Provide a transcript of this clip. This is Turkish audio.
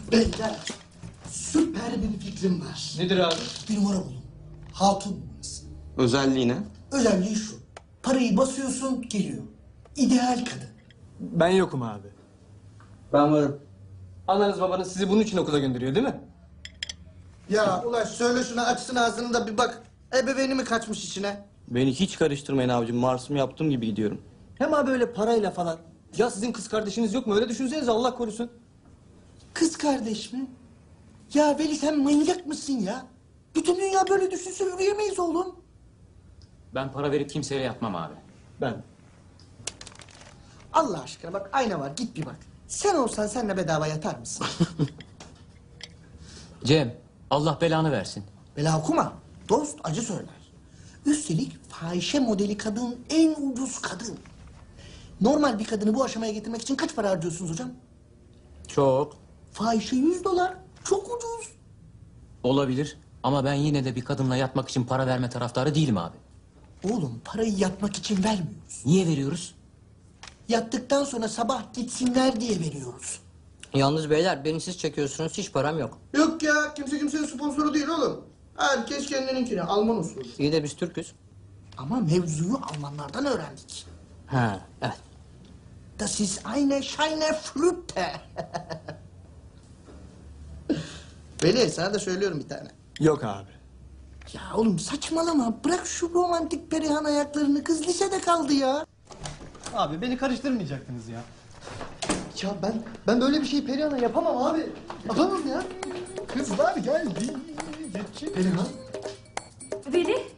Beyler, süper bir fikrim var. Nedir abi? Bir numara bulun. Hatun numarası. Özelliği ne? Özelliği şu. Parayı basıyorsun, geliyor. İdeal kadın. Ben yokum abi. Ben varım. Ananız babanız sizi bunun için okula gönderiyor değil mi? Ya Ulaş söyle şuna açsın ağzını da bir bak. Ebeveyni mi kaçmış içine? Beni hiç karıştırmayın abicim. Mars'ımı yaptığım gibi gidiyorum. Hem abi öyle parayla falan. Ya sizin kız kardeşiniz yok mu? Öyle düşünsenize Allah korusun. Kız kardeş mi? Ya Veli sen manyak mısın ya? Bütün dünya böyle düşünse yürüyemeyiz oğlum. Ben para verip kimseye yatmam abi. Ben. Allah aşkına bak ayna var git bir bak. Sen olsan senle bedava yatar mısın? Cem, Allah belanı versin. Bela okuma. Dost acı söyler. Üstelik fahişe modeli kadın en ucuz kadın. Normal bir kadını bu aşamaya getirmek için kaç para harcıyorsunuz hocam? Çok. Fahişe $100. Çok ucuz. Olabilir ama ben yine de bir kadınla yatmak için para verme taraftarı değilim abi. Oğlum parayı yatmak için vermiyoruz. Niye veriyoruz? Yattıktan sonra sabah gitsinler diye veriyoruz. Yalnız beyler beni siz çekiyorsunuz hiç param yok. Yok ya kimse kimsenin sponsoru değil oğlum. Herkes kendininkini Alman usulü. İyi de biz Türk'üz. Ama mevzuyu Almanlardan öğrendik. Ha evet. Das ist eine scheine Flüte. Veli sana da söylüyorum bir tane. Yok abi. Ya oğlum saçmalama. Bırak şu romantik Perihan ayaklarını. Kız lisede kaldı ya. Abi beni karıştırmayacaktınız ya. Ya ben böyle bir şey Perihan'a yapamam abi. Yapamam ya. Kızlar geldi. Perihan. Veli,